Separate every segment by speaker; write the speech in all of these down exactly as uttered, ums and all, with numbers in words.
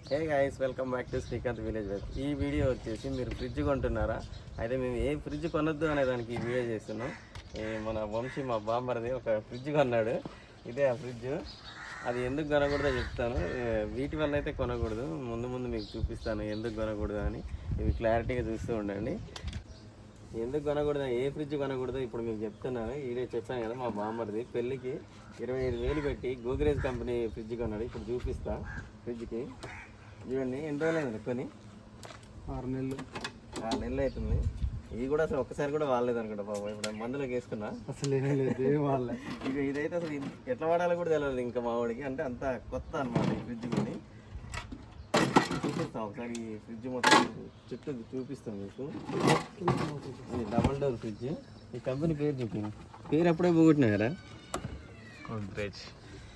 Speaker 1: Hey guys, welcome back to Srikanth village wife. ఈ video వచ్చేసి మీరు ఫ్రిడ్జ్ కొంటున్నారా, అయితే మేము ఏ ఫ్రిడ్జ్ కొనొద్దు అనే దానికి ఈ వీడియో చేస్తున్నాం. మన వంశీ మా బామ్మర్ది ఒక ఫ్రిడ్జ్ కొన్నాడు. ఇదే ఆ ఫ్రిడ్జ్. అది ఎందుకు కొనకూడదో చెప్తాను. వీటి వల్ల అయితే కొనకూడదు, ముందు ముందు మీకు చూపిస్తాను ఎందుకు కొనకూడదు అని. ఇవి క్లారిటీగా చూస్తూ ఉండండి. ఎందుకు కొనకూడదు, ఏ ఫ్రిడ్జ్ కొనకూడదు ఇప్పుడు మీకు చెప్తున్నాను. ఈడే చెప్పాను కదా, మా బామ్మర్ది పెళ్ళికి ఇరవై ఐదు వేలు పెట్టి గోద్రేజ్ కంపెనీ ఫ్రిడ్జ్ కొన్నాడు. ఇప్పుడు చూపిస్తా. ఫ్రిడ్జ్కి చూడండి, ఎన్ని రోజులు అయింది కొని?
Speaker 2: ఆరు నెలలు
Speaker 1: ఆరు నెలలు అవుతుంది. ఇవి కూడా అసలు ఒక్కసారి కూడా వాడలేదు అనుకుంటా బాబు. ఇప్పుడు మందులోకి వేసుకున్నా
Speaker 2: అసలు ఏమీ లేదు వాళ్ళే.
Speaker 1: ఇక ఇదైతే అసలు ఎట్లా వాడాలో కూడా తెలియదు ఇంకా మా వాడికి. అంటే అంత కొత్త అనమాట ఈ ఫ్రిడ్జ్ కొని. చూపిస్తాం ఒకసారి ఈ ఫ్రిడ్జ్ మొత్తం చుట్టూ చూపిస్తాం మీకు. ఇది డబల్ డోర్ ఫ్రిడ్జ్. ఈ కంపెనీ పేరు చెప్పి పేరు అప్పుడే పోగొట్టినారా? గోద్రేజ్.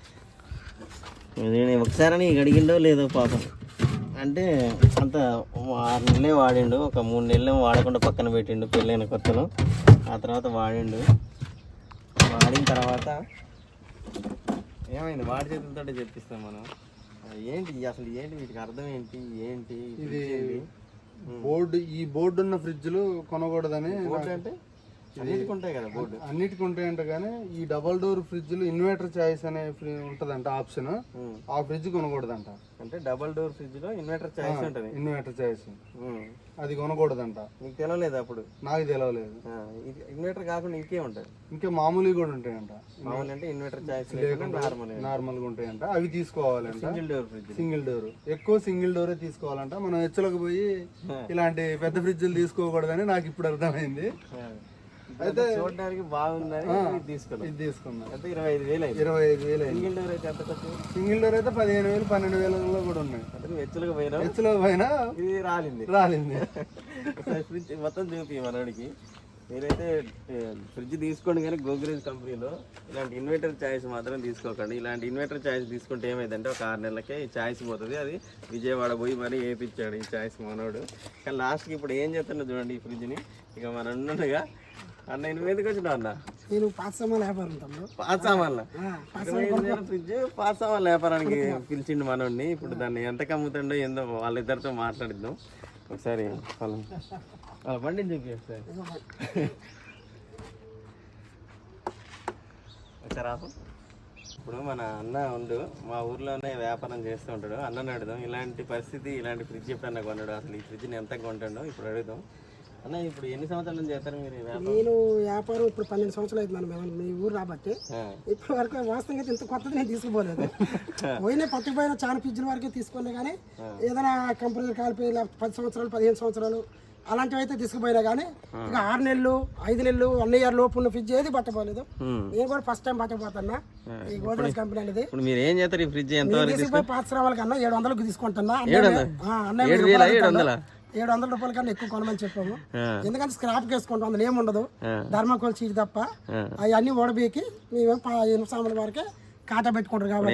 Speaker 1: నేను ఒకసారి అడిగిండో లేదో పాపం. అంటే అంత ఆరు నెలలే వాడిండు, ఒక మూడు నెలలు వాడకుండా పక్కన పెట్టిండు పెళ్ళైన కొత్తలో. ఆ తర్వాత వాడిండు. వాడిన తర్వాత ఏమైంది, వాడి చేతులతో చెప్పిస్తాం మనం. ఏంటి అసలు, ఏంటి వీటికి అర్థం ఏంటి, ఏంటి
Speaker 2: ఇది బోర్డు. ఈ బోర్డు ఉన్న ఫ్రిడ్జ్లు కొనకూడదని.
Speaker 1: బోర్డు అంటే అన్నిటికి ఉంటాయి కదా, బోర్డు
Speaker 2: అన్నిటికి ఉంటాయంట. కానీ ఈ డబల్ డోర్ ఫ్రిడ్జ్లు ఇన్వర్టర్ చాయిస్ అనే ఉంటదంట ఆప్షన్. ఆ ఫ్రిడ్జ్ కొనకూడదంట.
Speaker 1: అంటే డబల్ డోర్ ఫ్రిడ్జ్ లో ఇన్వర్టర్ చాయిస్ ఉంటుంది.
Speaker 2: ఇన్వర్టర్ చాయిస్ అది కొనకూడదంట.
Speaker 1: నీకు తెలియలేదు అప్పుడు?
Speaker 2: నాకు తెలియలేదు.
Speaker 1: ఇన్వర్టర్ కాకుండా ఇంకే ఉంటుంది,
Speaker 2: ఇంకా మామూలుగా కూడా ఉంటాయంట.
Speaker 1: మామూలు అంటే ఇన్వర్టర్ చాయిస్ నార్మల్
Speaker 2: నార్మల్ గా ఉంటాయంట. అవి తీసుకోవాలంట.
Speaker 1: Single door fridge.
Speaker 2: Single door ఎక్కువ సింగిల్ డోరే తీసుకోవాలంట. మనం హెచ్చలకు పోయి ఇలాంటి పెద్ద ఫ్రిడ్జ్లు తీసుకోకూడదని నాకు ఇప్పుడు అర్థమైంది.
Speaker 1: అయితే చూడడానికి బాగుందని తీసుకున్నాం.
Speaker 2: ఇది తీసుకున్నాం.
Speaker 1: అయితే ఇరవై ఐదు వేలు అయింది.
Speaker 2: ఇరవై ఐదు వేలు
Speaker 1: సింగిల్ డోర్ అయితే ఎంత ఖర్చు?
Speaker 2: సింగిల్ డోర్ అయితే పదిహేను వేలు పన్నెండు వేలలో కూడా ఉన్నాయి.
Speaker 1: అంటే నువ్వు హెచ్చులకు పోయినా
Speaker 2: హెచ్చులకు పోయినా
Speaker 1: ఇది రాలింది
Speaker 2: రాలింది
Speaker 1: ఫ్రిడ్జ్ మొత్తం చూపి మనోడికి. మీరైతే ఫ్రిడ్జ్ తీసుకోండి, కానీ గోద్రేజ్ కంపెనీలో ఇలాంటి ఇన్వర్టర్ ఛాయిస్ మాత్రం తీసుకోకండి. ఇలాంటి ఇన్వర్టర్ ఛాయిస్ తీసుకుంటే ఏమైందంటే ఒక ఆరు నెలలకే ఈ ఛాయిస్ పోతుంది. అది విజయవాడ పోయి మరీ వేయించాడు ఈ ఛాయిస్ మనోడు. కానీ లాస్ట్కి ఇప్పుడు ఏం చేస్తున్నా చూడండి ఈ ఫ్రిడ్జ్ని. ఇక మన ఉండగా అన్న నువ్వు ఎందుకు వచ్చినావు అన్న?
Speaker 2: నేను పాత సామాన్లు వ్యాపారం తమ్ముడు.
Speaker 1: పాత సామాన్ల ఫ్రిడ్జ్ పాత సామాన్ల వ్యాపారానికి పిలిచిండు మనోడిని. ఇప్పుడు దాన్ని ఎంత అమ్ముతుండో ఏందో వాళ్ళిద్దరితో మాట్లాడిద్దాం ఒకసారి. వాళ్ళ వాళ్ళ బండిని చూపి ఒకసారి ఒకసారి ఆపు. ఇప్పుడు మన అన్న ఉండు మా ఊర్లోనే వ్యాపారం చేస్తూ ఉంటాడు. అన్నని అడుగుదాం ఇలాంటి పరిస్థితి, ఇలాంటి ఫ్రిడ్జ్ ఎప్పుడన్నా కొన్నాడు, అసలు ఈ ఫ్రిడ్జ్ని ఎంత కొంటాడో ఇప్పుడు అడుగుదాం. అన్న ఇప్పుడు ఎన్ని సంవత్సరాల నుంచి చేస్తారు మీరు వ్యాపారం?
Speaker 3: నేను వ్యాపారం ఇప్పుడు పన్నెండు సంవత్సరాలు అవుతుంది మేము మీ ఊరు రాబట్టి. ఇప్పటి వరకు వాస్తవంగా ఇంత కొత్తది నేను తీసుకుపోలేదు. పోయినా పట్టుకుపోయిన చాలా ఫ్రిడ్జ్ల వరకే తీసుకున్నా. కానీ ఏదైనా కంపెనీలు కాలిపోయి పది సంవత్సరాలు పదిహేను సంవత్సరాలు అలాంటివి అయితే తీసుకుపోయినా. కానీ ఇక ఆరు నెలలు ఐదు నెలలు వన్ ఇయర్ లోపు ఉన్న ఫ్రిడ్జ్ ఏది పట్టపోలేదు. నేను కూడా ఫస్ట్ టైం పట్టకపోతున్నా ఈ గోద్రేజ్ కంపెనీ అనేది.
Speaker 1: మీరు ఏం చేస్తారు ఈ ఫ్రిడ్జ్? ఎంత
Speaker 3: తీసుకుపోయి పాత శ్రావాల కన్నా ఏడు వందలకు తీసుకుంటున్నా. ఏడు వందల రూపాయల కన్నా ఎక్కువ కొనమని చెప్పాము. ఎందుకంటే స్క్రాప్ వేసుకుంటాం, అందులో ఏముండదు, ధర్మకోల్ చీటి తప్ప. అవన్నీ ఓడబీకి మేము ఎనిమిది సామాన్ల వరకే కాటా పెట్టుకుంటారు. కాబట్టి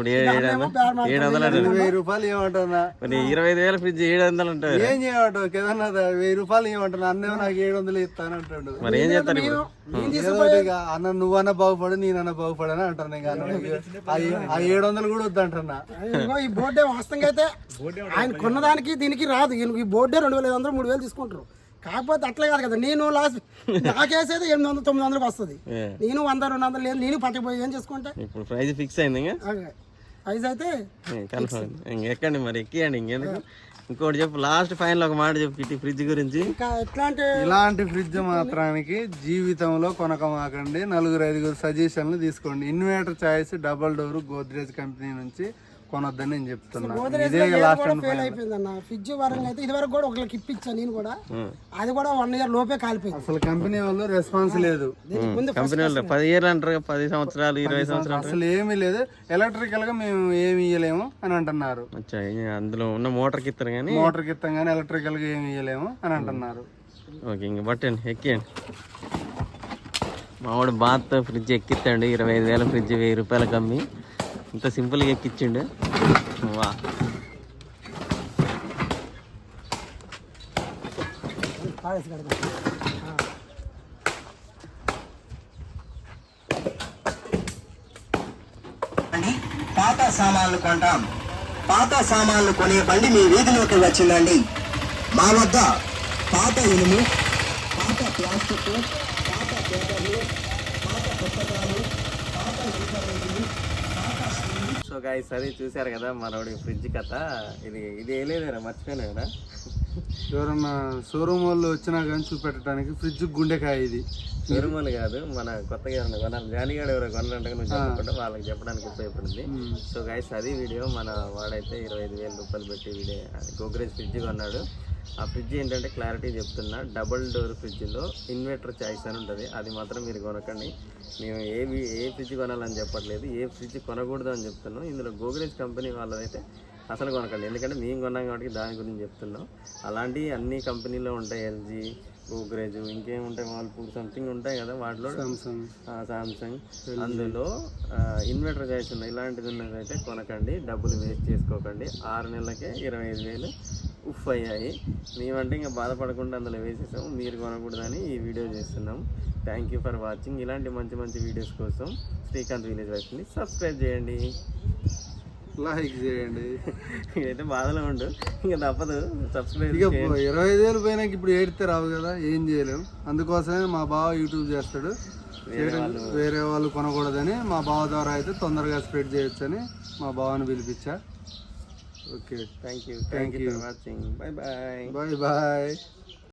Speaker 2: వెయ్యి రూపాయలు ఏమంటున్నా,
Speaker 1: ఇరవై ఐదు వేల ఫ్రిడ్జ్ ఏడు వందలు ఉంటుంది.
Speaker 2: ఏం చేయమంటావు కేదన్నా? వెయ్యి రూపాయలు ఏమంటున్నా, అన్నేమో నాకు ఏడు వందలు ఇస్తానంటాడు.
Speaker 1: మరి ఏం చేస్తారు?
Speaker 2: అన్న నువ్వన్నా బాగుపడు నేనన్నా బాగుపడని అంటున్నా. ఇంకా ఆ ఏడు వందలు కూడా వద్దంటున్నా.
Speaker 3: ఈ బోర్డే వాస్తవంగా అయితే ఆయన కొన్నదానికి దీనికి రాదు. ఈ బోర్డే రెండు వేల ఐదు వందలు మూడు వేలు తీసుకుంటారు. కాకపోతే అట్లా కాదు కదా, నేను లాస్ట్ నాకేసేది ఎనిమిది వందలు తొమ్మిది వందలకు వస్తుంది. నేను వంద రెండు వందలు లేదు, నేను పట్టుకుపోయి ఏం చేసుకుంటా.
Speaker 1: ఇప్పుడు ప్రైస్ ఫిక్స్ అయింది.
Speaker 3: ప్రైస్ అయితే
Speaker 1: ఎక్కండి మరి, ఎక్కియండి. ఇంకెందుకు ఇంకోటి చెప్పు, లాస్ట్ ఫైనల్ ఒక మాట చెప్పు కిట్టి ఫ్రిడ్జ్ గురించి.
Speaker 3: ఇంకా ఎట్లాంటి
Speaker 2: ఇలాంటి ఫ్రిడ్జ్ మాత్రానికి జీవితంలో కొనకమాకండి. నలుగురు ఐదుగురు సజెషన్లు తీసుకోండి. Inverter choice double door Godrej company నుంచి కొనొద్దని నేను చెప్తున్నా.
Speaker 3: ఫ్రిడ్జ్ వరంగా అయితే ఇది వరకు కూడా ఒకరికి ఇప్పించాను నేను కూడా. అది కూడా వన్ ఇయర్ లోపే కాలిపోయింది.
Speaker 2: అసలు కంపెనీ వాళ్ళు రెస్పాన్స్ లేదు.
Speaker 1: కంపెనీ వాళ్ళు పది ఇయర్లు అంటారు, పది సంవత్సరాలు ఇరవై సంవత్సరాలు
Speaker 2: అసలు ఏమీ లేదు. ఎలక్ట్రికల్ గా మేము ఏమి ఇయ్యలేము అని అంటున్నారు.
Speaker 1: అందులో ఉన్న మోటార్ కి ఇస్తారు కానీ
Speaker 2: మోటార్ కి ఇస్తాం కానీ ఎలక్ట్రికల్ గా ఏమి ఇయ్యలేము అని అంటున్నారు.
Speaker 1: ఓకే, ఇంక బట్టండి ఎక్కియండి. మావాడు బాత్తో ఫ్రిడ్జ్ ఎక్కిస్తాండి. ఇరవై ఐదు వేల ఫ్రిడ్జ్ వెయ్యి రూపాయలకు అమ్మి ఇంత సింపుల్గా ఎక్కిచ్చిండు. వా
Speaker 4: పాత సామాన్లు కొంటాం. పాత సామాన్లు కొనే బండి మీ వీధిలోకి వచ్చిందండి. మా వద్ద పాత ఇనుము, పాత ప్లాస్టిక్, పాత పేపర్లు, పాత పుస్తకాలు, పాత ఇన్ఫర్మేషన్.
Speaker 1: సో గైస్ అది చూసారు కదా మనోడి ఫ్రిడ్జ్ కథ. ఇది ఇది వేయలేదురా, మర్చిపోయినా కదా.
Speaker 2: ఎవరన్నా షోరూమ్ వాళ్ళు వచ్చినా కానీ చూపెట్టడానికి ఫ్రిడ్జ్ గుండెకాయ ఇది.
Speaker 1: తిరుమల కాదు, మన కొత్తగా ఎవరైనా కొనాలి, జానిగాడు ఎవరో కొనాలంటే నువ్వు చెప్పకుండా వాళ్ళకి చెప్పడానికి ఉపయోగపడింది. సో గైస్ అది వీడియో. మన వాడైతే ఇరవై ఐదు వేల రూపాయలు పెట్టి వీడియో గోగ్రేజ్ ఫ్రిడ్జ్ కొన్నాడు. ఆ ఫ్రిడ్జ్ ఏంటంటే క్లారిటీ చెప్తున్నా, డబుల్ డోర్ ఫ్రిడ్జ్లో ఇన్వర్టర్ చాయిస్ అని ఉంటుంది. అది మాత్రం మీరు కొనకండి. మేము ఏ ఏ ఫ్రిడ్జ్ కొనాలని చెప్పట్లేదు, ఏ ఫ్రిడ్జ్ కొనకూడదు అని చెప్తున్నాం. ఇందులో గోగ్రేజ్ కంపెనీ వాళ్ళదైతే అసలు కొనకండి, ఎందుకంటే మేము కొన్నాం కాబట్టి దాని గురించి చెప్తున్నాం. అలాంటి అన్ని కంపెనీలో ఉంటాయి, ఎల్జీ, గోగ్రేజ్, ఇంకేముంటాయి, వాల్పూల్ సంథింగ్ ఉంటాయి కదా, వాటిలో సామ్సంగ్, అందులో ఇన్వర్టర్ చాయిస్ ఉన్నాయి. ఇలాంటిది ఉన్నదైతే కొనకండి, డబ్బులు వేస్ట్ చేసుకోకండి. ఆరు నెలలకే ఇరవై ఐదు వేలు ఉఫ్ అయ్యాయి. మేమంటే ఇంకా బాధపడకుండా అందులో వేసేసాము, మీరు కొనకూడదని ఈ వీడియో చేస్తున్నాం. Thank you for watching. ఇలాంటి మంచి మంచి వీడియోస్ కోసం శ్రీకాంత్ విలేజ్ వైఫ్ని సబ్స్క్రైబ్ చేయండి,
Speaker 2: లైక్ చేయండి.
Speaker 1: అయితే బాధలో ఉండు, ఇంకా తప్పదు సబ్స్క్రైబ్.
Speaker 2: ఇక ఇరవై ఐదు వేలు పోయినాక ఇప్పుడు ఏడితే రావు కదా, ఏం చేయలేము. అందుకోసమే మా బావ యూట్యూబ్ చేస్తాడు, వేరే వాళ్ళు కొనకూడదని మా బావ ద్వారా అయితే తొందరగా స్ప్రెడ్ చేయొచ్చని మా బావని పిలిపించా. Okay,
Speaker 1: thank you thank you for watching. Bye bye
Speaker 2: bye bye.